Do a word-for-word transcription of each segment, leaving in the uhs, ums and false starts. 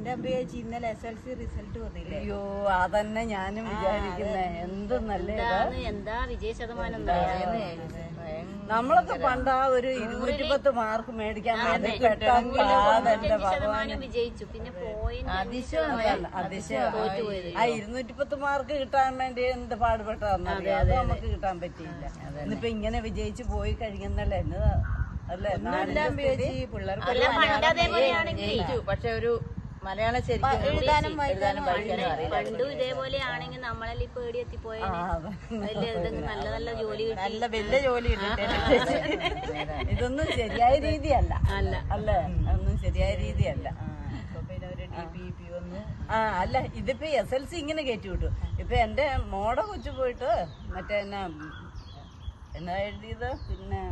എന്റെ അമ്മയേച്ചി ഇന്നലെ S L C result വന്നില്ലേ? അയ്യോ അതന്നെ ഞാനും വിചാരിക്കുന്നേ. എന്ത് നല്ല എന്താ വിജയ ശതമാനം. നമ്മളൊക്കെ പണ്ട് ആ ഒരു ഇരുന്നൂറ്റി പത്ത് മാർക്ക് മേടിക്കാൻ വേണ്ടി പെട്ടെന്ന് വിജയിച്ചു. പിന്നെ അതിശയമല്ല അതിശയം. ആ ഇരുന്നൂറ്റി പത്ത് മാർക്ക് കിട്ടാൻ വേണ്ടി എന്ത് പാടുപെട്ടതെന്നറിയാം. അത് നമുക്ക് കിട്ടാൻ പറ്റിയില്ല. ഇന്നിപ്പോ ഇങ്ങനെ വിജയിച്ചു പോയി കഴിയുന്നല്ലേ എന്നതാ അല്ലേ? പക്ഷെ ഒരു മലയാളം ശരിക്കും എഴുതാനും എഴുതാനും പഠിക്കാനും അറിയില്ല. പണ്ടും ഇതേപോലെ ആണെങ്കിൽ നമ്മളെല്ലാം ഇപ്പൊ എവിടെ എത്തിപ്പോയാൽ നല്ല നല്ല ജോലി നല്ല വലിയ ജോലി ഇതൊന്നും ശരിയായ രീതിയല്ല അല്ല അല്ലേ? ഒന്നും ശരിയായ രീതിയല്ല. ആ അല്ല ഇതിപ്പോ എസ് എൽ സി ഇങ്ങനെ കയറ്റി വിട്ടു. ഇപ്പൊ എന്റെ മോടെ കൊച്ചു പോയിട്ട് മറ്റേ എന്നാ എന്നാ എഴുതിയത് പിന്നെ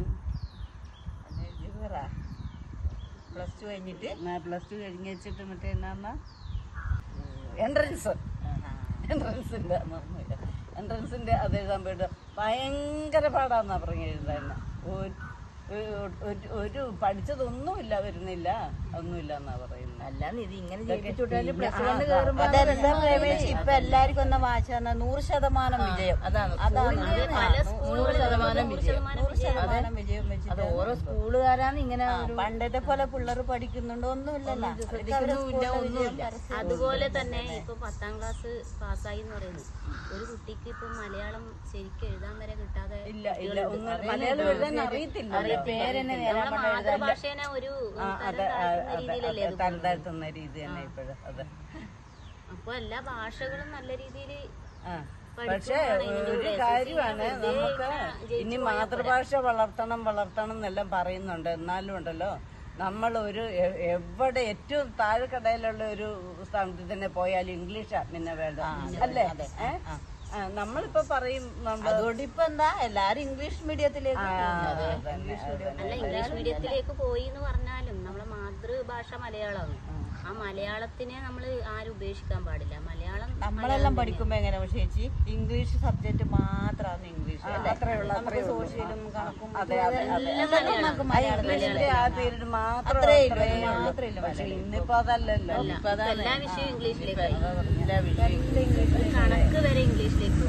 പ്ലസ് ടു കഴിഞ്ഞിട്ട് പ്ലസ് ടു കഴിഞ്ഞ് വെച്ചിട്ട് മറ്റേ എന്നാ എൻട്രൻസ് എൻട്രൻസിന്റെ എൻട്രൻസിന്റെ അത് എഴുതാൻ പോയിട്ട് ഭയങ്കര പാടാന്നാ പറഞ്ഞ എഴുതാൻ. ഒരു പഠിച്ചതൊന്നുമില്ല വരുന്നില്ല ഒന്നുമില്ല എന്നാ പറയുന്നത്. അല്ലാന്ന് ഇത് ഇങ്ങനെ ഇപ്പൊ എല്ലാവർക്കും എന്നാ വായിച്ച നൂറ് ശതമാനം വിജയം. അതാണ് അതാണ് നൂറ് ശതമാനം വിജയം. നൂറ് ശതമാനം വിജയം വെച്ചിട്ട് അത് ഓരോ സ്കൂളുകാരാണ് ഇങ്ങനെ. പണ്ടത്തെ പോലെ പിള്ളേർ പഠിക്കുന്നുണ്ടോ? ഒന്നുമില്ലല്ലോ. അതുപോലെ തന്നെ ഇപ്പൊ പത്താം ക്ലാസ് പാസ്സായി എന്ന് പറയുന്നത് ഒരു കുട്ടിക്ക് ഇപ്പൊ മലയാളം ശരിക്കും എഴുതാൻ വരെ കിട്ടാതെ ഇല്ല ഇല്ല മലയാളം എഴുതാൻ അറിയത്തില്ല. മാതൃഭാഷേനെ ഒരു തരതാഴ്ത്തുന്ന രീതി തന്നെ ഇപ്പോഴും. അതെ അപ്പൊ എല്ലാ ഭാഷകളും നല്ല രീതിയിൽ. പക്ഷെ ഒരു കാര്യമാണ്, നമുക്ക് ഇനി മാതൃഭാഷ വളർത്തണം വളർത്തണം എന്നെല്ലാം പറയുന്നുണ്ട്. എന്നാലും ഉണ്ടല്ലോ നമ്മൾ ഒരു എവിടെ ഏറ്റവും താഴെക്കടയിലുള്ള ഒരു സ്ഥാനത്ത് തന്നെ പോയാലും ഇംഗ്ലീഷാ പിന്നെ വേണ്ട അല്ലേ? നമ്മളിപ്പോ പറയും അതുകൊണ്ട് ഇപ്പൊ എന്താ എല്ലാരും ഇംഗ്ലീഷ് മീഡിയത്തിലേക്ക് അല്ല ഇംഗ്ലീഷ് മീഡിയത്തിലേക്ക് പോയി എന്ന് പറഞ്ഞാലും നമ്മളെ മാതൃഭാഷ മലയാളമാണ്. ആ മലയാളത്തിനെ നമ്മൾ ആരും ഉപേക്ഷിക്കാൻ പാടില്ല. മലയാളം നമ്മളെല്ലാം പഠിക്കുമ്പോ എങ്ങനെ ചേച്ചി ഇംഗ്ലീഷ് സബ്ജക്ട് മാത്രമാണ് ഇംഗ്ലീഷ്. നമുക്ക് സോഷ്യലും കണക്കും ഇന്നിപ്പോ അതല്ലല്ലോ. എല്ലാ വിഷയവും ഇംഗ്ലീഷിലേക്ക്, കണക്ക് വരെ ഇംഗ്ലീഷിലേക്ക്.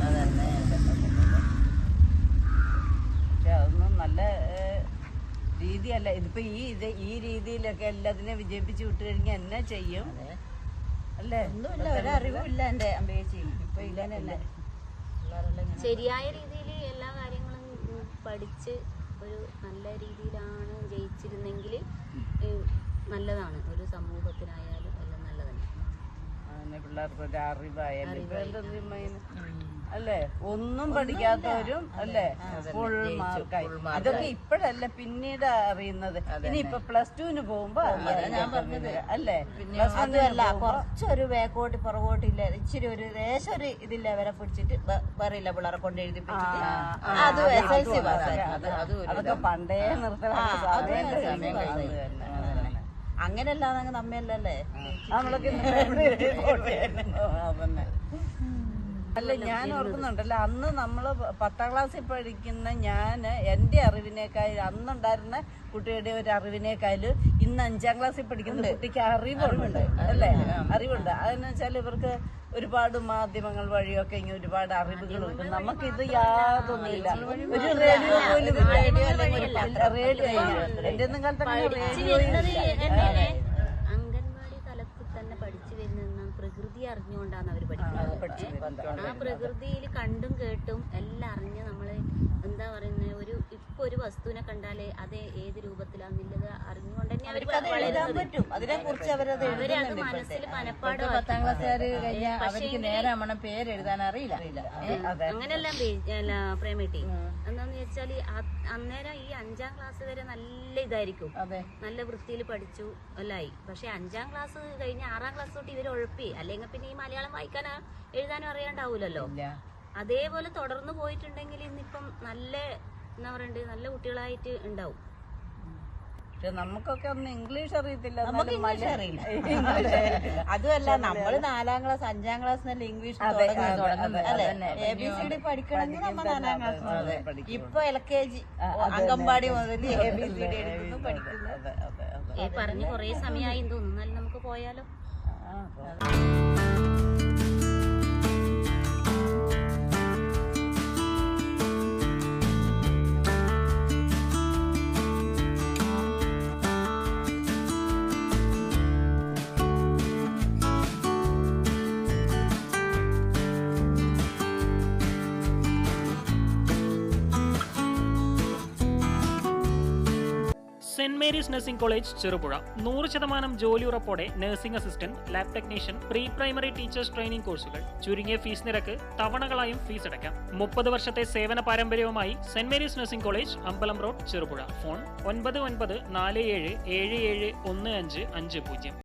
പക്ഷെ അതൊന്നും നല്ല രീതിയല്ല. ഇതിപ്പോ ഈ ഇത് ഈ രീതിയിലൊക്കെ എല്ലാത്തിനെയും വിജയിപ്പിച്ച് വിട്ടു കഴിഞ്ഞാൽ എന്നാ ചെയ്യും അല്ലേ? ഒന്നുമില്ല, ഒരറിവും ഇല്ല എന്റെ അമ്പേച്ചി. ഇപ്പൊ ഇല്ലല്ലേ ശരിയായ രീതിയിൽ എല്ലാ കാര്യങ്ങളും പഠിച്ച് ഒരു നല്ല രീതിയിലാണ് ജയിച്ചിരുന്നെങ്കിൽ നല്ലതാണ്. ഒരു സമൂഹത്തിനായാലും എല്ലാം നല്ലതാണ്. പിള്ളേർക്ക് ഒരു അറിവായാലും ഇപ്പൊ എന്താ അല്ലേ? ഒന്നും പഠിക്കാത്തവരും അല്ലേ ഫുൾ മാർക്കായി. അതൊക്കെ ഇപ്പഴല്ല പിന്നീട് അറിയുന്നത്. ഇനിയിപ്പൊ പ്ലസ് ടുവിന് പോകുമ്പോ ഞാൻ പറഞ്ഞത് അല്ലേ? അതുമല്ല കുറച്ചൊരു ബാക്കോട്ട് പുറകോട്ടില്ല, ഇച്ചിരി ഒരു ദേശം ഒരു ഇതില്ല വരെ പിടിച്ചിട്ട് പറയില്ല പിള്ളേരെ കൊണ്ട് എഴുതിപ്പിച്ചിട്ട് അത് എസ് എൽ സി പാസ്സായി. അതൊക്കെ പണ്ടേ നിർത്തണം. അങ്ങനെയല്ലാതെ നമ്മയല്ലേ നമ്മളൊക്കെ അതന്നെ. അല്ല ഞാൻ ഓർക്കുന്നുണ്ടല്ലോ അന്ന് നമ്മള് പത്താം ക്ലാസ്സിൽ പഠിക്കുന്ന ഞാൻ എന്റെ അറിവിനേക്കാൾ അന്നുണ്ടായിരുന്ന കുട്ടിയുടെ ഒരു അറിവിനേക്കാളും ഇന്ന് അഞ്ചാം ക്ലാസ്സിൽ പഠിക്കുന്ന കുട്ടിക്ക് അറിവുണ്ട് അല്ലേ? അറിവുണ്ട്. അതെന്ന് വെച്ചാൽ ഇവർക്ക് ഒരുപാട് മാധ്യമങ്ങൾ വഴിയൊക്കെ ഇങ്ങനെ ഒരുപാട് അറിവുകളുണ്ട്. നമുക്കിത് യാതൊന്നുമില്ല. ഒരു റേഡിയോ പോലും റേഡിയോ അല്ലെങ്കിൽ റേഡിയോ എന്റെ ഒന്നും കാലത്ത് റേഡിയോ അംഗൻവാടി തലത്തിൽ തന്നെ പഠിച്ചു വരുന്ന പ്രകൃതി അറിഞ്ഞുകൊണ്ടാണ് അവർ പഠിക്കുന്നത്. ആ പ്രകൃതിയിൽ കണ്ടും കേട്ടും എല്ലാം അറിഞ്ഞ് നമ്മള് എന്താ പറയുന്നത് ഒരു ഇപ്പൊ ഒരു വസ്തുവിനെ കണ്ടാലേ അത് ഏത് രൂപത്തിലാണെന്നുള്ളത് അറിഞ്ഞുകൊണ്ട് തന്നെ അവർക്ക് പറ്റും. അതിനെ കുറിച്ച് അവരത് അവരത് മനസ്സിൽ മനപ്പാട്. പത്താം ക്ലാസ്സുകാർ കഴിഞ്ഞാൽ അവർക്ക് നേരെ മണം പേര് എഴുതാൻ അറിയില്ല. അങ്ങനെല്ലാം പ്രേമേട്ടി എന്താന്ന് വെച്ചാല് അന്നേരം ഈ അഞ്ചാം ക്ലാസ് വരെ നല്ല ഇതായിരിക്കും, നല്ല വൃത്തിയിൽ പഠിച്ചു എല്ലായി. പക്ഷെ അഞ്ചാം ക്ലാസ് കഴിഞ്ഞ് ആറാം ക്ലാസ് തൊട്ട് ഇവര് ഉഴപ്പി, അല്ലെങ്കിൽ പിന്നെ ഈ മലയാളം വായിക്കാനോ എഴുതാനോ അറിയാണ്ടാവൂലല്ലോ. അതേപോലെ തുടർന്ന് പോയിട്ടുണ്ടെങ്കിൽ ഇന്നിപ്പം നല്ല എന്താ പറയണ്ടേ നല്ല കുട്ടികളായിട്ട് ഉണ്ടാവും. നമുക്കൊക്കെ ഒന്നും ഇംഗ്ലീഷ് അറിയത്തില്ല, നമുക്ക് ഇംഗ്ലീഷ് അറിയില്ല. അതുമല്ല നമ്മള് നാലാം ക്ലാസ് അഞ്ചാം ക്ലാസ് നല്ല ഇംഗ്ലീഷ് അല്ലെ? എ ബി സി ഡി പഠിക്കണമെങ്കിൽ നമ്മൾ നാലാം ക്ലാസ്. ഇപ്പൊ എൽ കെ ജി അംഗൻവാടി മുതൽ എ ബി സി ഡി എടുക്കുന്നു പഠിക്കുന്നത്. പറഞ്ഞ് കൊറേ സമയമായി തോന്നുന്നു. നമുക്ക് പോയാലോ? Saint Mary's nursing college Cherupuzha നൂറ് ശതമാനം ജോലി ഉറപ്പോടെ nursing assistant, lab technician, pre primary teachers training കോഴ്സുകൾ. ചുരുങ്ങിയ ഫീസ് നിരക്ക്, തവണകളായും ഫീസ് അടയ്ക്കാം. മുപ്പത് വർഷത്തെ സേവന പാരമ്പര്യവുമായി saint Mary's nursing college, Ambalam road, Cherupuzha. Phone ഒൻപത് ഒൻപത് നാല് ഏഴ് ഏഴ് ഏഴ് ഒന്ന് അഞ്ച് അഞ്ച് പൂജ്യം.